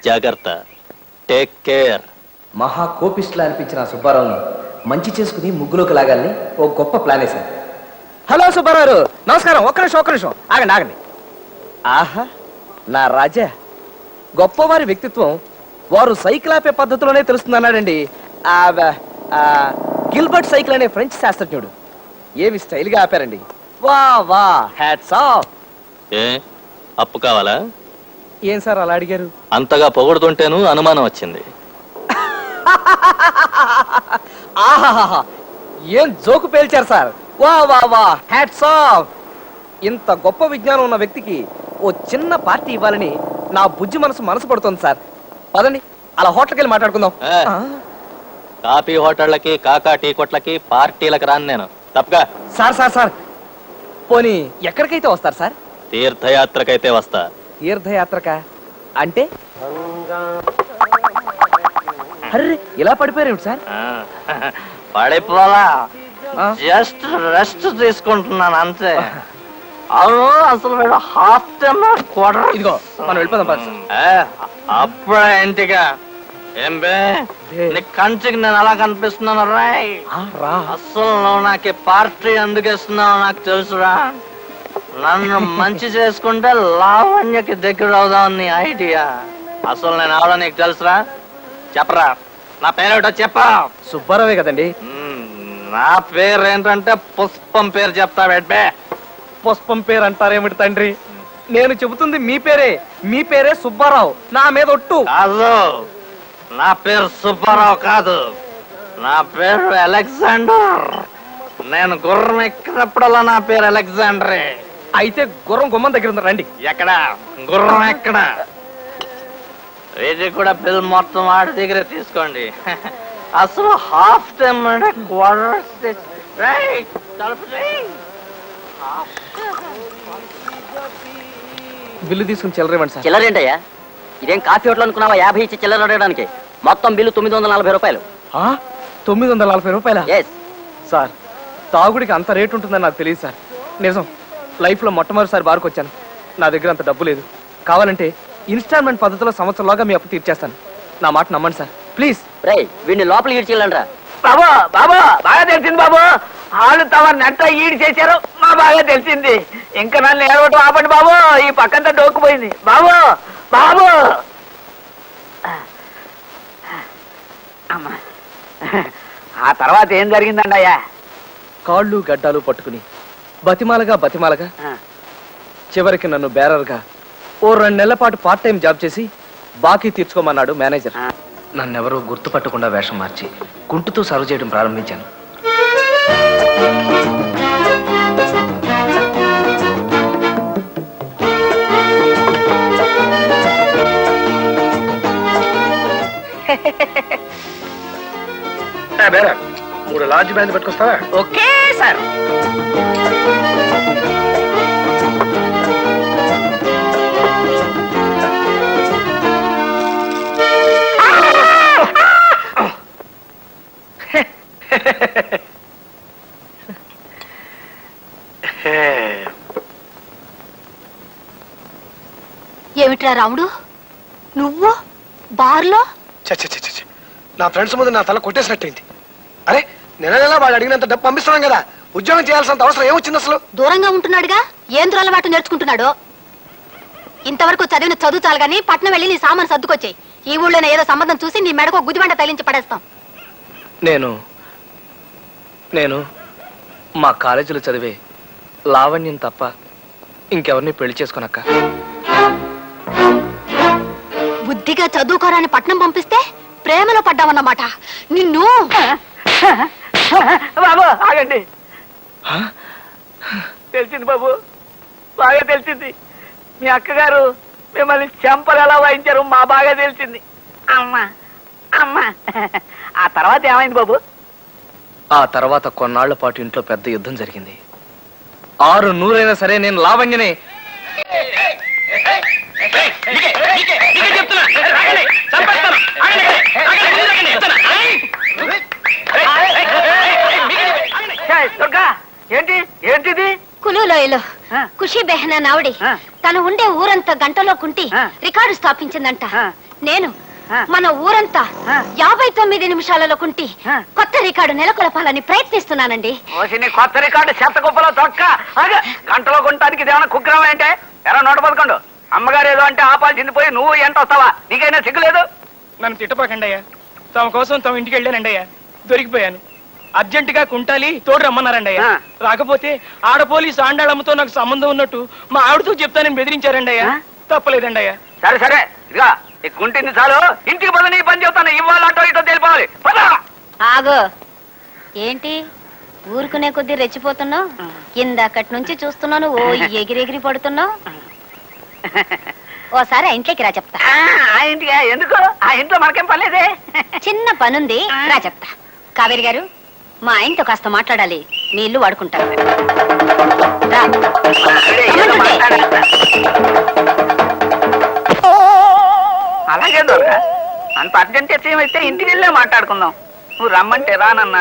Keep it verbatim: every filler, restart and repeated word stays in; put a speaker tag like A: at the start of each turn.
A: జాగ్రత్త, take care.
B: మహా కోపిస్టులా అనిపించిన సుబ్బారావుని మంచి చేసుకుని ముగ్గులోకి లాగాలని ఓ గొప్ప ప్లాన్ వేశాను. హలో సుబ్బారావు, నమస్కారం. ఒక్క నిమిషం ఒక్క నిమిషం ఆగండి ఆగండి. ఆహా, నా రాజా, గొప్పవారి వ్యక్తిత్వం వారు సైకిల్ ఆపే పద్ధతిలోనే తెలుస్తుందన్నాడండి గిల్బర్ట్ సైకిల్ అనే ఫ్రెంచ్ శాస్త్రజ్ఞుడు. ఏమి స్టైల్గా ఆపారండి. వా వా, హ్యాట్స్ ఆఫ్.
A: ఏ అప్పు కావాలా?
B: ఏం సార్ అలా అడిగారు?
A: అంతగా పొగడుతుంటేను అనుమానం వచ్చింది.
B: ఆహాహా, ఏం జోకు పేల్చారు సార్. వా వా వా, హ్యాట్స్ ఆఫ్. ఇంత గొప్ప విజ్ఞానం ఉన్న వ్యక్తికి ఓ చిన్న పార్టీ ఇవ్వాలని నా బుజ్జి మనసు మనసు పడుతుంది సార్. పదండి అలా హోటల్కి వెళ్ళి మాట్లాడుకుందాం.
A: కాఫీ హోటళ్ళకి, కాకా టీ కొట్లకి, పార్టీలకు రాను నేను. తప్పగా.
B: సార్ సార్ సార్ పోనీ ఎక్కడికైతే వస్తారు సార్?
A: తీర్థయాత్రకైతే వస్తా.
B: తీర్థయాత్రక అంటే? అర్రే, ఇలా పడిపోయారు సార్?
A: పడిపోలా, జస్ట్ రెస్ట్ తీసుకుంటున్నాను అంతే. అవును, అసలు వీడు హాఫ్ టైమ్ క్వార్టర్.
B: ఇదిగో మనం వెళ్ళిపోదాం.
A: అప్పుడే ఇంటిగా ఏం బే, నీ కంచికి నేను అలా కనిపిస్తున్నాను రాయ్. అసలు నువ్వు నాకు పార్టీ ఎందుకు ఇస్తున్నావు నాకు తెలుసురా. నన్ను మంచి చేసుకుంటే లావణ్యకి దగ్గర అవుదాం నీ ఐడియా. అసలు నేను అవడం నీకు తెలుసురా? చెప్పరా, నా పేరేటో చెప్పా.
B: సుబ్బారావే కదండి.
A: నా పేరు ఏంటంటే పుష్పం పేరు చెప్తా బెడ్బే.
B: పుష్పం పేరు అంటారేమిటి తండ్రి? నేను చెబుతుంది మీ పేరే. మీ పేరే సుబ్బారావు. నా మీద ఒట్టు.
A: కాదు, నా పేరు సుబ్బారావు కాదు, నా పేరు అలెగ్జాండర్. నేను గుర్రం ఎక్కినప్పుడల్లా నా పేరు అలెగ్జాండరే.
B: అయితే గుర్రం గుమ్మం దగ్గర ఉంది, రండి.
A: ఎక్కడ గుర్రం? ఎక్కడ? ఇది కూడా బిల్ మొత్తం వాడి దగ్గర తీసుకోండి. అసలు హాఫ్ టైం అంటే క్వార్టర్.
B: బిల్లు తీసుకుని చిల్లరేమండి సార్.
C: చిల్లరేంటయ్యా? ఇదేం కాఫీ హోటల్ అనుకున్నావా? యాభై ఇచ్చి చిల్లర అడగడానికి. మొత్తం బిల్లు తొమ్మిది వందల నలభై రూపాయలు.
B: తొమ్మిది వందల నలభై రూపాయల?
C: ఎస్
B: సార్, తాగుడికి అంత రేటు ఉంటుందని నాకు తెలియదు సార్. నిజం, లైఫ్ లో మొట్టమొదటిసారి బార్కు వచ్చాను. నా దగ్గర అంత డబ్బు లేదు. కావాలంటే ఇన్స్టాల్మెంట్ పద్ధతిలో సంవత్సరంలోగా మీ అప్పు తీర్చేస్తాను. నా మాట నమ్మండి సార్, ప్లీజ్.
C: రే, వీడిని లోపలికి ఈడ్చిల్లండ్రా.
D: బాబు బాబు బాగా తెలిసింది బాబు. వాళ్ళు తమ నెట్ట ఈడి చేశారు, మా బాగా తెలిసింది. ఇంకా నన్ను ఏడవటం ఆపండి బాబు. ఈ పక్కంతా డోక్కుపోయింది బాబు. బాబు అమ్మా, ఆ తర్వాత ఏం జరిగిందండి అయ్యా?
B: కాళ్ళు గడ్డాలు పట్టుకుని బతిమాలగా బతిమాలగా చివరికి నన్ను బేరర్గా ఓ రెండు నెలల పాటు పార్ట్ టైం జాబ్ చేసి బాకీ తీర్చుకోమన్నాడు మేనేజర్. నన్నెవరూ గుర్తుపట్టకుండా వేషం మార్చి కుంటుతో సర్వ్ చేయడం ప్రారంభించాను.
D: మూడు లార్జ్ బ్యాండ్ పెట్టుకొస్తావా? Okay sir.
E: ఏమిట్రా రాముడు, నువ్వు బార్లో?
F: నా ఫ్రెండ్స్ ముందు నా తల కొట్టేసినట్టయింది. అరే, నెల నెల వాడు అడిగినంత డబ్బు పంపిస్తున్నాం కదా, ఉద్యోగం చేయాల్సినంత అవసరం ఏమొచ్చింది అసలు? దూరంగా
E: ఉంటున్నాడుగా, ఏం దురలవాటు నేర్చుకుంటున్నాడు. ఇంతవరకు చదివిన చదువు చాలు గానీ పట్నం వెళ్ళి నీ సామాను సర్దుకొచ్చాయి. ఈ ఊళ్ళోనే ఏదో సంబంధం చూసి నీ మెడకు గుదిబండ తగిలించి పడేస్తాం.
B: నేను నేను మా కాలేజీలో చదివే లావణ్యం తప్ప ఇంకెవరిని పెళ్లి చేసుకోనక్క.
E: బుద్ధిగా చదువుకోరాని పట్నం పంపిస్తే ప్రేమలో పడ్డావన్నమాట. నిన్ను
D: బాబు ఆగండి. తెలిసింది బాబు, బాగా తెలిసింది. మీ అక్కగారు మిమ్మల్ని చెంపలు ఎలా వాయించారు మా బాగా తెలిసింది. అమ్మా అమ్మా. ఆ తర్వాత ఏమైంది బాబు?
B: ఆ తర్వాత కొన్నాళ్ల పాటు ఇంట్లో పెద్ద యుద్ధం జరిగింది. ఆరు నూరైనా సరే నేను లావణ్యనే.
D: దుర్గా, ఏంటి ఏంటిది?
E: కులులోయలో కుష ఖుషి బెహనా నావడి
D: ఆ.
E: తను ఉండే ఊరంతా గంటలో కుంటి
D: ఆ.
E: రికార్డు స్థాపించిందంట
D: ఆ.
E: నేను
D: ఆ.
E: మన ఊరంతా
D: ఆ.
E: యాభై తొమ్మిది నిమిషాలలో కుంటి
D: ఆ.
E: కొత్త రికార్డు నెలకొల్పాలని ప్రయత్నిస్తున్నానండి.
D: ఓసి నీ కొత్త రికార్డు చెత్త కుప్పలో తొక్క అదే గంటలో కొనడానికి ఇదేమన్నా కుగ్రహం ఏంటే ఎరా నూట పదకొండు అమ్మగారు ఏదో అంటే ఆపాల్సింది పోయి నువ్వు ఎంత వస్తావా నీకైనా సిగ్గులేదు.
G: నన్ను తిట్టపాకండి అయ్యా. తమ కోసం తమ ఇంటికి వెళ్ళానండి అయ్యా. దొరికిపోయాను. అర్జెంటుగా కుంటాలి తోడు రమ్మన్నారండి అయ్యా.
D: ఆ.
G: రాకపోతే ఆడ పోలీసు ఆండాళమ్మతో నాకు సంబంధం ఉన్నట్టు మా ఆవిడతో చెప్తానని బెదిరించారండి అయ్యా.
D: ఆ?
G: తప్పలేదండి అయ్యా.
D: సరే సరే ఇదిగా ఈ కుంటింది చాలు ఇంటికి పద నీ పని చెప్తాను ఇవ్వాలంటో ఇటో తెలిపాలి పద.
E: ఆగో ఏంటి ఊరుకునే కొద్దీ రెచ్చిపోతున్నావు? ఇందాకటి నుంచి చూస్తున్నాను ఓ ఎగిరెగిరి పడుతున్నావు. ఓసారి ఆ ఇంట్లోకి రా చెప్తా.
D: ఆ, ఆ ఇంటికి ఎందుకు ఆ ఇంట్లో మనకేం పర్లేదే.
E: చిన్న పనుంది రా చెప్తా. కావేరి గారు మా ఆయనతో కాస్త మాట్లాడాలి. మీ ఇల్లు వాడుకుంటారు. రా.
D: ఆవిడే ఏదో
E: రమ్మంటుంటే.
D: మాట్లాడేస్తా. అలాగే దొరక అంత అర్జెంట్ అయితే ఇంటికి వెళ్ళే మాట్లాడుకుందాం. నువ్వు రమ్మంటే రానన్నా